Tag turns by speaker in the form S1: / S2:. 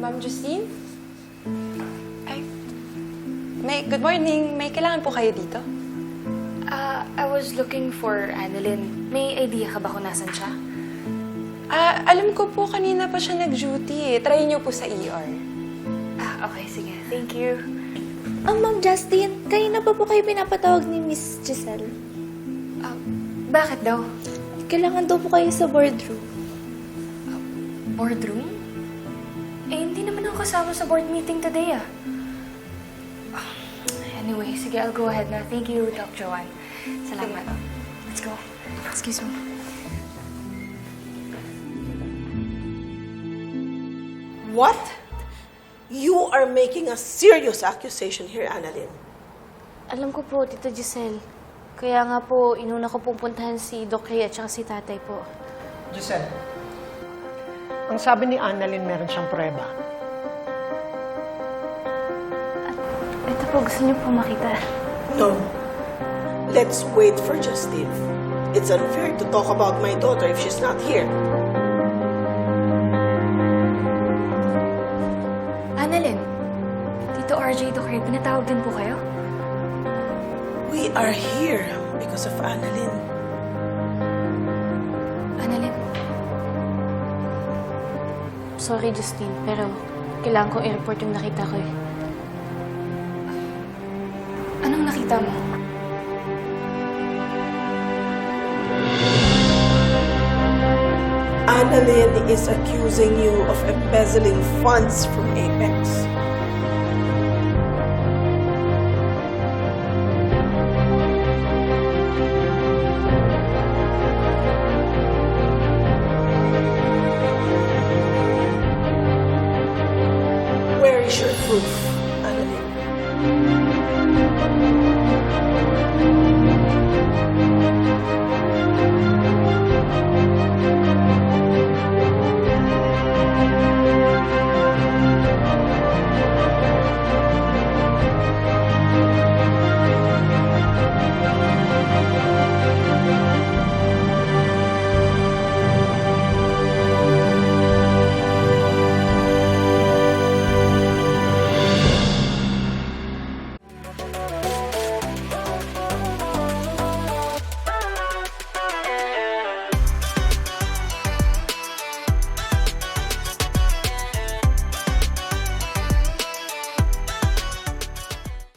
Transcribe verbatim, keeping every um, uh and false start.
S1: Ma'am Justine? Ay, may, good morning. May kailangan po kayo dito?
S2: Ah, I was looking for Annalyn. May idea ka ba kung nasan siya?
S1: Ah, alam ko po kanina pa siya nag-duty eh. Try niyo po sa E R.
S2: Ah, okay, sige. Thank you.
S3: Ang Ma'am Justine, kanina pa po kayo pinapatawag ni Miss Giselle.
S2: Ah, bakit daw?
S3: Kailangan daw po kayo sa boardroom.
S2: Boardroom? Eh, hindi naman ako kasama sa board meeting today, ah. Ah, Anyway, sige, I'll go ahead na. Thank you, Doc Joanne. Salamat. Let's go. Excuse me.
S4: What? You are making a serious accusation here, Annalyn.
S3: Alam ko po, Tita Giselle. Kaya nga po, inuna ko pong puntahan si Doc Ray at saka si tatay po.
S5: Giselle, ang sabi ni Annalyn meron siyang prueba.
S3: Ito po, gusto niyo po makita.
S4: No. Let's wait for Justine. It's unfair to talk about my daughter if she's not here.
S2: Annalyn, Tito R J, Doc Ray, pinatawag din po kayo?
S4: We are here because of Annalyn.
S2: Annalyn?
S3: Sorry, Justine, pero kailangan kong i-report yung nakita ko eh.
S2: Anong nakita mo?
S4: Annalyn is accusing you of embezzling funds from Apex.